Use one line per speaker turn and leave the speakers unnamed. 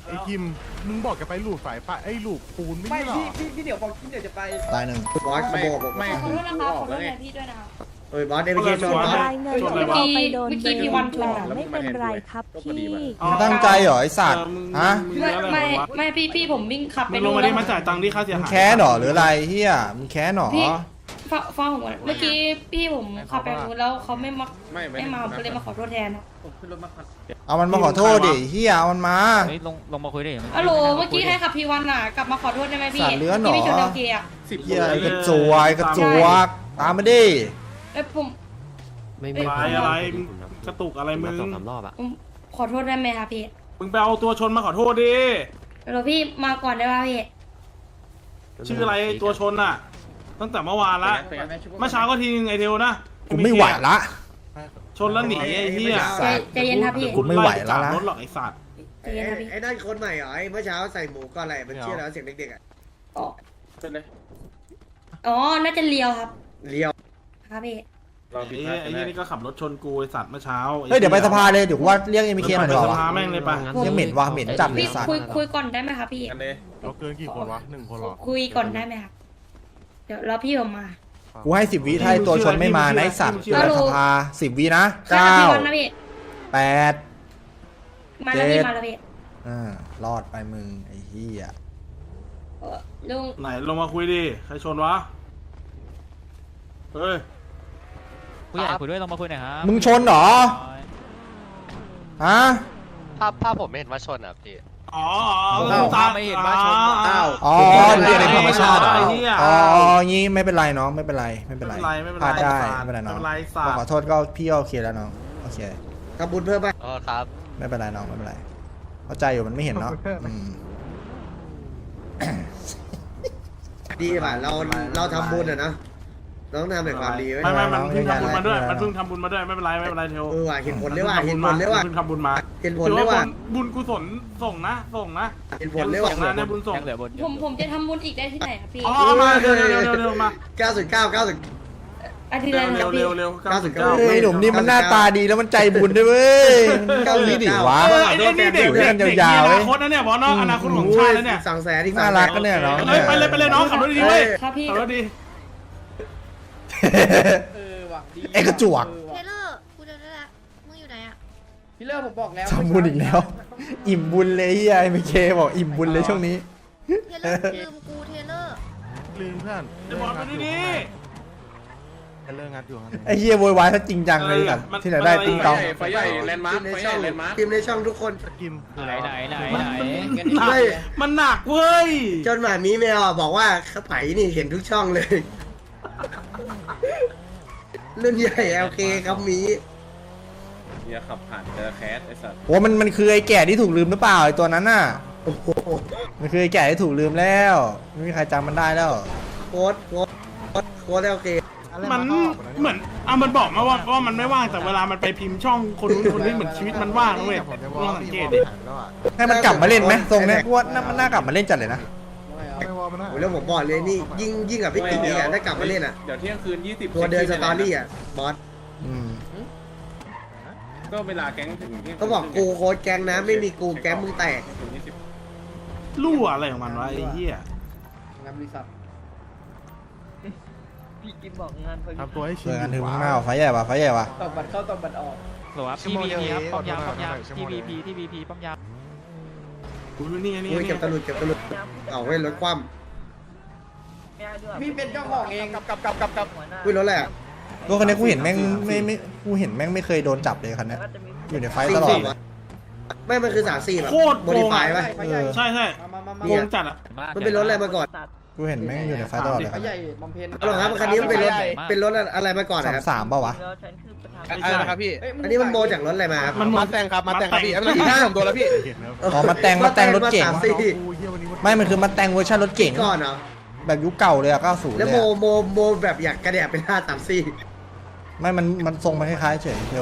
ไอ้กิมมึงบอกจะไปหลูดสายไฟไอ้หลูดปูนไม่
ไม่
ใช่หรอ
พี่เดี๋ยวบอกพี่เดี๋ยวจะไป
ตายหนึ่ง
บอสขโมยผม
ไม่
ขอโทษนะคะขอโทษแทนพี่ด้วยนะคะ
เอ้ยบอสเดวิดเคชนบอส
รายเงินที่เราไปโดนเบรกแต่ไม่เป็นไรครับพี่
มึงตั้งใจเหรอไอสัตว์ฮะ
ไม่พี่ผมวิ่งขับไป
มึงล
ดู
งมา
แล้
ดิ
ว
มาจ่ายตังค์ที่ค่าเสีย
มึง
หาย
แค้นเหรอหรืออะไรเฮียมึงแค้นเหรอ
พี่ฟังผมก่อนเมื่อกี้พี่ผมขับไปดูแล้วเขาไม่มาผมก็เลยมาขอโทษแทนนะ
ผมขึ้นรถมาคัน
เอามันมาขอโทษดิเฮียเอามันมา
ลงมาคุยดิ
ฮัลโหลเมื่อกี้ให้ขับพีวันอ่ะกลับมาขอโทษได้ไหมพี่
สัตว์เลื้อนเหรอ
ที่พี่ชนเอลเกียร์
เฮียกระจวยกระจวกตามมาดิ
เอ้ยผม
อะไรกระตุกอะไรมึง
ผมขอโทษได้ไหมคะพี่
มึงไปเอาตัวชนมาขอโทษดิ
ฮัลโหลพี่มาก่อนได้ป่ะพี่
ชื่ออะไรตัวชนอ่ะ ตั้งแต่เมื่อวานละเมื่อเช้าก็ทีนึงไอเทลนะ
กูไม่ไหวละ
ชนแล้วหนีไอ้เหี้ย
ใจเย็นครับพี่
กูไม่ไหวแล้วนะ
รถหรอกไอ้สัตว์
ใจเย็นครับพี่
ไอ้นั่นคนใหม่เหรอไอ้เมื่อเช้าใส่หมูก็อะไรมันชื่ออะไรเสียงเด็กๆอ่ะ
อ๋อ
เป็นเลย
อ๋อน่าจะเลียวครับ
เลี้ยว
ครับพี่
ไอ้เหี้ยนี่ก็ขับรถชนกูไอ้สัตว์เมื่อเช้า
เฮ้ยเดี๋ยวไปสภาเลยเดี๋ยวกูว่าเรียกเอ็มเคมา
ไป
เถ
ส
อะวะ
ภาแม่งเลยปะ
ยังเหม็นว่ะเหม็นจัดเลย
พี่
สัตว์
คุยก่อนได้ไหมครับพี่
เราเกินกี่คนวะ1 คนหรอ
คุยก่อนได้ไหมครับเดี๋ยวรอพี่ผมมา
กูให้10 วิถ้าไอ้ตัวชนไม่มานะไอสัตว์เดี๋ยวไปสภา10 วินะ
ใช่ครับพี่วันนะพี่
9 8
มาแล้วพี่มาแล้วพี่
รอดไปมึงไอ้เหี้ย
ลุง
ไหนลงมาคุยดิใครชนวะเฮ้ย
ผู้ใหญ่คุยด้วยลงมาคุยหน่อยครับ
มึงชนเหรอฮะ
ภาพผมไม่เห็นว่าชนอ่ะพี่
อ๋อ
ไม่เห็นว่าชน
อ้าว
อ๋อ
เรียกในธรรมชาติเหรอ
อ๋องี้ไม่เป็นไรน้องไม่เป็นไรไม่เป็นไรพลาดได้ไม่เป็นไรน้อง
สัตว์
ขอโทษก็พี่ก็โอเคแล้วน้องโอเค
ทำบุญเพิ่มไป
อ๋อครับ
ไม่เป็นไรน้องไม่เป็นไรเข้าใจอยู่มันไม่เห็นเนาะอืม
ดีป่ะเราทำบุญอ่ะนะเราต้องทำแบบความดีไว้
ไม่มันเพิ่งทำบุญมาด้วยมันเพิ่งทำบุญมาด้วยไม่เป็นไรเทล
ว่ะเห็นผลเลยว่ะเห็นผลเลยว่ะ
เพิ่งทำบุญมา
เห็นผลเลยว่ะ
บุญกุศลส่งนะ
เห็นผลเลยว่ะ
ส่งนะในบุญส่ง
ยังเหลือบน
ผมจะทำบุญอีกได้ที่ไหนครับพี่
อ๋อมาเร็วมา
909
อาทิตย์ละครับพี่
เร็ว
เฮ้ยหนุ่มนี่มันหน้าตาดีแล้วมันใจบุญด้วยเว้ยเก้านี้ดิวะ
ไอ้นี่เด็กอนาคตนะเนี่ยบอสน้องอนาคตของชาติแล้วเนี่ย
สั่งแสนที่
น่ารักก็เนี่ยน้อง
ไปเลยน้องขับรถดีเว้ย
ครับพี่
ขับรถดี
ว่ะดี
ไอ้กระจวก
เทเลอร์กูจะได้ละมึงอยู่ไหนอ่ะ
พี่เลิกผมบอกแล้ว
ทำบุญอีกแล้ว อิ่มบุญเลยเฮียไอ้เมเคบอกอิ่มบุญเลยช่วงนี้
เทเลอร์ลืมกูเทเลอร์
ลืมเพื่อน
จะบอสไปดี
เลิกงัดอยู่ครับ
ไอ้เฮียโวยวายถ้าจริงจังเลยกันที่ไหนได้ติ๊งต้อง
ไฟใหญ่แลนด์มาร์คทีมในช่องทุกคน
กิม
ไหน
มันหนักเว้ย
จนหมามีแมวบอกว่าเขาไผ่นี่เห็นทุกช่องเลยรุ่นใหญ่ LK ครับมี
เนี่ยขับผ่านเจอแคสไอ้สัตว์
โอ้มันคือไอ้แก่ที่ถูกลืมหรือเปล่าไอ้ตัวนั้นน่ะ
โอ้โห
มันคือไอ้แก่ที่ถูกลืมแล้วไม่มีใครจำมันได้แล้ว
โค้ด LK
มันเหมือนมันบอกมาว่ามันไม่ว่างแต่เวลามันไปพิมพ์ช่องคนนู้นคนนี้เหมือนชีวิตมันว่างเว้ย
ผมจะบ
ล
อ
อง
ก
สัง
พี่
เกต
บ
ดิ
อกแล้วอ่ะ
ให้มันกลับมาเล่นไหมทรงเนี้ยกูว่ามันน่ากลับมาเล่นจัดเลยนะ
ไม่ว่ามันนะ
โอ้แล้วผมบอกเลยนี่ยิ่งกับพี่ติ๋งอีกอ่ะถ้ากลับมาเล่นอ่ะ
เดี๋ยวเที่ยงคืน20
ตัวเดินสตอรี่อ่ะบอส
อืม
ก็เวลาแก๊งถึงที่
เขาบอกกูโค้ดแก๊งนะไม่มีกูแก๊งมึงแตก
ถึง20
รั่วอะไรของมันวะไอ้เหี้ย
งานบริษัทพี่กิมบอกงานพอดี
ทำตัวให้ชิ
เจอกันถึงข้างหน้าไฟใหญ่ปะไฟใหญ่ปะ
ตอกบัตรเข้าตอกบัตรออก
หรอครับที่ VP ครับป้อมยามที่ VP ป้อมยาม
กูนี่
กูเก็บตะลุดเอาไว้รถคว่
พี่เป็นเจ้าของเองกับ
ำวิ่งรถอะไรอ่ะ
รถคันนี้กูเห็นแม่งไม่กูเห็นแม่งไม่เคยโดนจับเลยคันนี้อยู่ในไฟตลอดเลย
ไม่มันคือ34แบบ
โคตร
โมดิฟายป่ะ
ใช่โกงจัดอ่ะ
มันเป็นรถอะไรมาก่อน
กูเห็นแม่งอยู่ในไฟตลอดเลย
เขาใหญ่บำเพ็ญ
เอาหรอครับคันนี้มันเป็นรถอะไรมาก่อนนะครับ
33ป่าวะ
อะไรนะครับพี่
อันนี้มันโมจากรถอะไรมาครับ
มันมาแต่งครับมาแต่งครับพี่ไม่ต้องผมตัวแล้วพี่
เห็นแล้ว
อ๋อมาแต่งรถเก่ง
34
กูเฮียวันนี้
ไม่มันคือมาแต่งเวอร์ชันรถเก่ง
ก่อนเหรอ
แบบยุคเก่าเลยอะ90
แล้ว
เลยอะ
โมแบบอยากกระแดะเป็น534
ไม่มันทรงมันคล้ายๆเฉย